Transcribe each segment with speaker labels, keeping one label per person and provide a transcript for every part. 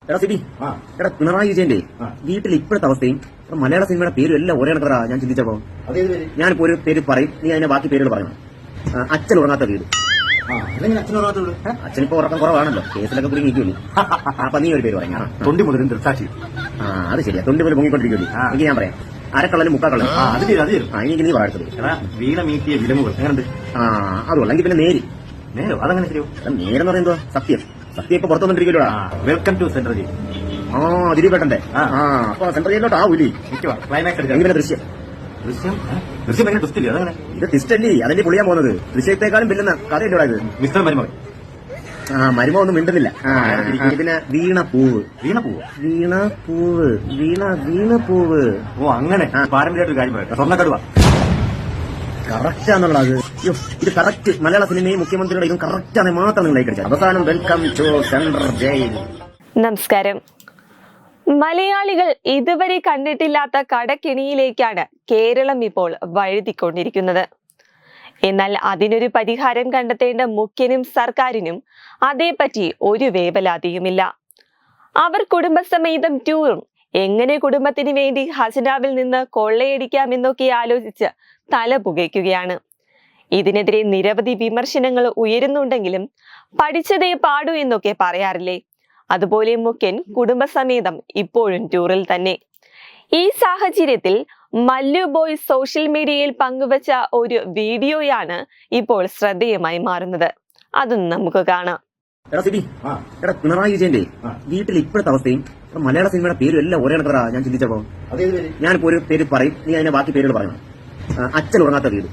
Speaker 1: എടാ സിബി, എടാ പിണറായി വിജയന്റെ വീട്ടിൽ ഇപ്പോഴത്തെ അവസ്ഥയും മലയാള സിനിമയുടെ പേരും എല്ലാം ഒരേ കണക്കറാ. ഞാൻ ചിന്തിച്ചപ്പോ ഞാനിപ്പോ ഒരു പേര് പറയും, നീ അതിന്റെ ബാക്കി പേരുകൾ പറയണം. അച്ഛൻ ഉറങ്ങാത്ത വീട്. അച്ഛനിപ്പോ ഉറക്കം കുറവാണല്ലോ, കേസിലൊക്കെ കുടുങ്ങി നിൽക്കുമല്ലോ. അപ്പൊ നീ ഒരു പേര് പറയാം.
Speaker 2: തൊണ്ടി മുതലും ദൃസാക്ഷി.
Speaker 1: അത് ശരിയാ, തൊണ്ടി മുതൽ പൊങ്ങിക്കൊണ്ടിരിക്കുമല്ലോ. എനിക്ക് ഞാൻ പറയാം, അരക്കള്ളനും മുക്കാക്കള്ളനും. എനിക്ക് നീ വാഴ്ത്തത്
Speaker 2: വീണ മീറ്റിയ വിലമുകൾ എങ്ങനെയുണ്ട്?
Speaker 1: അതുള്ളെങ്കിൽ പിന്നെ നേര്.
Speaker 2: നേരോ? അതങ്ങനെ ശരിയോ?
Speaker 1: നേരെന്ന് പറയുന്നത് സത്യം. സത്യം ഇപ്പൊ പുറത്തുവന്നിരിക്കുമല്ലോ.
Speaker 2: Welcome to central jail.
Speaker 1: ദിലീപേട്ടന്റെ. അപ്പൊ സെൻട്രൽ ജയിലോട്ട് ആവൂലേ?
Speaker 2: ക്ലൈമാക്സ്
Speaker 1: എങ്ങനെ ദൃശ്യം?
Speaker 2: ദൃശ്യം എങ്ങനെ ട്വിസ്റ്റ്? അതങ്ങനെ
Speaker 1: ഇത് ട്വിസ്റ്റല്ലേ, അതല്ലേ പൊളിയാൻ പോകുന്നത്. ദൃശ്യത്തെക്കാളും പില്ലുന്ന കഥയല്ലോടാ ഇത്.
Speaker 2: മിസ്റ്റർ മരുമകൻ.
Speaker 1: മരുമ ഒന്നും മിണ്ടുന്നില്ല. പിന്നെ വീണപ്പൂവ്.
Speaker 2: വീണപ്പൂവ്
Speaker 1: വീണപ്പൂവ് വീണപ്പൂവ്.
Speaker 2: ഓ അങ്ങനെ പാരമ്പര്യമായിട്ടൊരു കാര്യം പറയട്ടെ. സ്വർണ്ണക്കടുവ
Speaker 1: കറക്റ്റാന്നുള്ളത്. ഇത് കറക്റ്റ് മലയാള സിനിമയും മുഖ്യമന്ത്രിയുടെ ഇതും കറക്റ്റാണ് മാത്രം നിങ്ങൾ കഴിച്ചത്. അവസാനം വെൽക്കം ടു സെൻട്രൽ ജയിൽ.
Speaker 3: നമസ്കാരം. മലയാളികൾ ഇതുവരെ കണ്ടിട്ടില്ലാത്ത കടക്കെണിയിലേക്കാണ് കേരളം ഇപ്പോൾ വഴുതിക്കൊണ്ടിരിക്കുന്നത്. എന്നാൽ അതിനൊരു പരിഹാരം കണ്ടെത്തേണ്ട മുഖ്യനും സർക്കാരിനും അതേപറ്റി ഒരു വേവലാതിയുമില്ല. അവർ കുടുംബസമേതം ടൂറും എങ്ങനെ കുടുംബത്തിന് വേണ്ടി ഖജനാവിൽ നിന്ന് കൊള്ളയടിക്കാമെന്നൊക്കെ ആലോചിച്ച് തല പുകയ്ക്കുകയാണ്. ഇതിനെതിരെ നിരവധി വിമർശനങ്ങൾ ഉയരുന്നുണ്ടെങ്കിലും പഠിച്ചതേ പാടൂ എന്നൊക്കെ പറയാറില്ലേ, അതുപോലെ മുഖ്യൻ കുടുംബസമേതം ഇപ്പോഴും ടൂറിൽ തന്നെ. ഈ സാഹചര്യത്തിൽ മല്ലു ബോയ് സോഷ്യൽ മീഡിയയിൽ പങ്കുവച്ച ഒരു വീഡിയോയാണ് ഇപ്പോൾ ശ്രദ്ധേയമായി മാറുന്നത്. അതൊന്നും നമുക്ക് കാണാം.
Speaker 1: പിണറായി വിജയന്റെ വീട്ടിൽ ഇപ്പോഴത്തെ അവസ്ഥയും മലയാള സിനിമയുടെ പേരും എല്ലാം ഒരേ കണക്കറാ. ഞാൻ ചിന്തിച്ചപ്പോ ഞാനിപ്പോ ഒരു പേര് പറയും, നീ അതിന്റെ ബാക്കി പേരുകൾ പറയണം. അച്ഛൻ ഉറങ്ങാത്ത വീട്.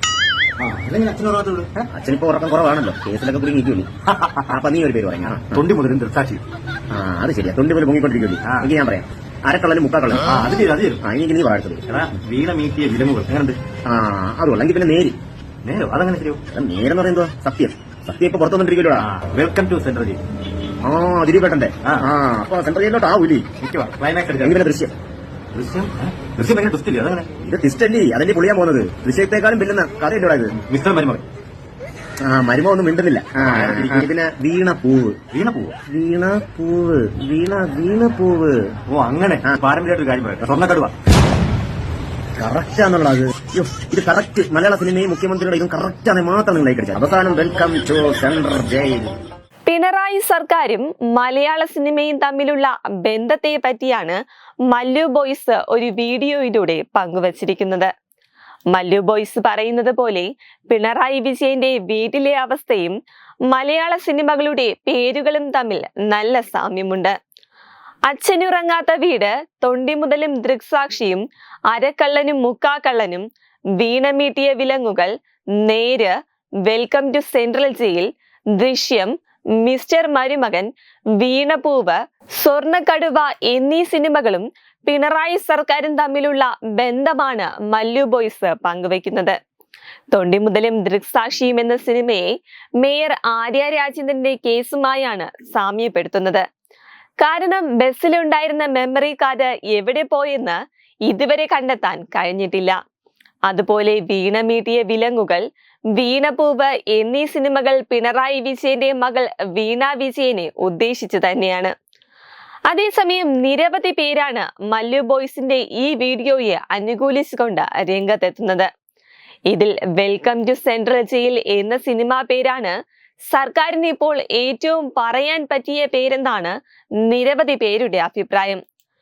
Speaker 1: അച്ഛനിപ്പോ ഉറക്കം കുറവാണല്ലോ, കേസിലൊക്കെ കുടുങ്ങി നിൽക്കുമല്ലോ. അപ്പൊ നീ ഒരു പേര് പറയാം.
Speaker 2: തൊണ്ടി മുതലും ദൃസാക്ഷി.
Speaker 1: അത് ശരിയാ, തൊണ്ടി മുതൽ പൊങ്ങിക്കൊണ്ടിരിക്കുമല്ലോ. എനിക്ക് ഞാൻ പറയാം, അരക്കള്ളനും മുക്കാക്കള്ളനും. എനിക്ക് നീ വാഴ്ത്തത്
Speaker 2: വീണ മീറ്റിയ വിലമുകൾ എങ്ങനെയുണ്ട്?
Speaker 1: അതുള്ളെങ്കിൽ പിന്നെ നേര്.
Speaker 2: നേരോ? അതങ്ങനെ ശരിയോ?
Speaker 1: നേരെന്ന് പറയുന്നത് സത്യം. സത്യം ഇപ്പൊ പുറത്തുവന്നിരിക്കുമല്ലോ.
Speaker 2: Welcome to central jail.
Speaker 1: ദിലീപേട്ടന്റെ. അപ്പൊ സെൻട്രൽ ജയിലോട്ട് ആവൂലേ?
Speaker 2: ക്ലൈമാക്സ്
Speaker 1: എങ്ങനെ ദൃശ്യം?
Speaker 2: ദൃശ്യം എങ്ങനെ ട്വിസ്റ്റ്? അതങ്ങനെ
Speaker 1: ഇത് ട്വിസ്റ്റല്ലേ, അതല്ലേ പൊളിയാൻ പോകുന്നത്. ദൃശ്യത്തെക്കാളും പില്ലുന്ന കഥയല്ലോടാ ഇത്.
Speaker 2: മിസ്റ്റർ മരുമകൻ.
Speaker 1: മരുമ ഒന്നും മിണ്ടുന്നില്ല. പിന്നെ വീണപ്പൂവ്.
Speaker 2: വീണപ്പൂവ്
Speaker 1: വീണപ്പൂവ്.
Speaker 2: ഓ അങ്ങനെ പാരമ്പര്യമായിട്ടൊരു കാര്യം പറയട്ടെ. സ്വർണ്ണക്കടുവ
Speaker 1: കറക്റ്റാന്നുള്ളത്. ഇത് കറക്റ്റ് മലയാള സിനിമയും മുഖ്യമന്ത്രിയുടെ ഇതും കറക്റ്റാണ് മാത്രം നിങ്ങൾ കഴിച്ചത്. അവസാനം welcome to central jail.
Speaker 3: Pinarayi സർക്കാരും മലയാള സിനിമയും തമ്മിലുള്ള ബന്ധത്തെ പറ്റിയാണ് മല്ലു ബോയ്സ് ഒരു വീഡിയോയിലൂടെ പങ്കുവച്ചിരിക്കുന്നത്. മല്ലു ബോയ്സ് പറയുന്നത് പോലെ പിണറായി വിജയന്റെ വീട്ടിലെ അവസ്ഥയും മലയാള സിനിമകളുടെ പേരുകളും തമ്മിൽ നല്ല സാമ്യമുണ്ട്. അച്ഛനുറങ്ങാത്ത വീട്, തൊണ്ടി മുതലും ദൃക്സാക്ഷിയും, അരക്കള്ളനും മുക്കാക്കള്ളനും, Veenameettiya Vilangukal, Neru, welcome to central jail, Drishyam, mister Marumakan, Veenappoovu, സ്വർണ്ണക്കടുവ എന്നീ സിനിമകളും പിണറായി സർക്കാരും തമ്മിലുള്ള ബന്ധമാണ് മല്ലു ബോയ്സ് പങ്കുവയ്ക്കുന്നത്. തൊണ്ടി മുതലും ദൃക്സാക്ഷിയും എന്ന സിനിമയെ മേയർ ആര്യ രാജേന്ദ്രന്റെ കേസുമായാണ് സാമ്യപ്പെടുത്തുന്നത്. കാരണം ബസ്സിലുണ്ടായിരുന്ന മെമ്മറി കാർഡ് എവിടെ പോയെന്ന് ഇതുവരെ കണ്ടെത്താൻ കഴിഞ്ഞിട്ടില്ല. അതുപോലെ വീണമീട്ടിയ വിലങ്ങുകൾ, വീണപ്പൂവ് എന്നീ സിനിമകൾ പിണറായി വിജയന്റെ മകൾ വീണ വിജയനെ ഉദ്ദേശിച്ചു തന്നെയാണ്. അതേസമയം നിരവധി പേരാണ് മല്ലു ബോയ്സിന്റെ ഈ വീഡിയോയെ അനുകൂലിച്ചുകൊണ്ട് രംഗത്തെത്തുന്നത്. ഇതിൽ വെൽക്കം ടു സെൻട്രൽ ജയിൽ എന്ന സിനിമാ പേരാണ് സർക്കാരിന് ഇപ്പോൾ ഏറ്റവും പറയാൻ പറ്റിയ പേരെന്നാണ് നിരവധി പേരുടെ അഭിപ്രായം.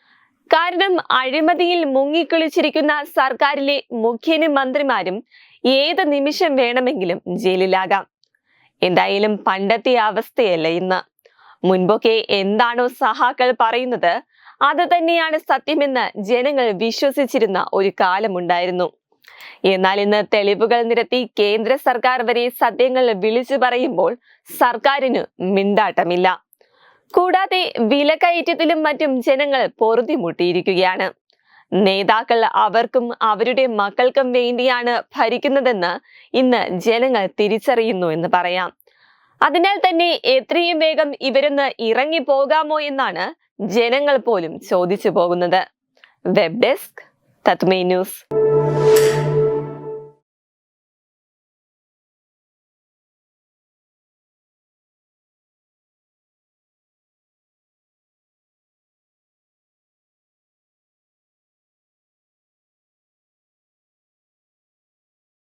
Speaker 3: കാരണം അഴിമതിയിൽ മുങ്ങിക്കുളിച്ചിരിക്കുന്ന സർക്കാരിലെ മുഖ്യനും മന്ത്രിമാരും ഏത് നിമിഷം വേണമെങ്കിലും ജയിലിലാകാം. എന്തായാലും പണ്ടത്തെ അവസ്ഥയല്ല ഇന്ന്. മുൻപൊക്കെ എന്താണോ സഹാക്കൾ പറയുന്നത് അത് തന്നെയാണ് സത്യമെന്ന് ജനങ്ങൾ വിശ്വസിച്ചിരുന്ന ഒരു കാലമുണ്ടായിരുന്നു. എന്നാൽ ഇന്ന് തെളിവുകൾ നിരത്തി കേന്ദ്ര സർക്കാർ വരെ സത്യങ്ങൾ വിളിച്ചു പറയുമ്പോൾ സർക്കാരിന് മിണ്ടാട്ടമില്ല. കൂടാതെ വിലക്കയറ്റത്തിലും മറ്റും ജനങ്ങൾ പൊറുതിമുട്ടിയിരിക്കുകയാണ്. നേതാക്കൾ അവർക്കും അവരുടെ മക്കൾക്കും വേണ്ടിയാണ് ഭരിക്കുന്നതെന്ന് ഇന്ന് ജനങ്ങൾ തിരിച്ചറിയുന്നു എന്ന് പറയാം. അതിനാൽ തന്നെ എത്രയും വേഗം ഇവരൊന്ന് ഇറങ്ങിപ്പോകാമോ എന്നാണ് ജനങ്ങൾ പോലും ചോദിച്ചു പോകുന്നത്. വെബ് ഡെസ്ക് തത്മൈ ന്യൂസ്.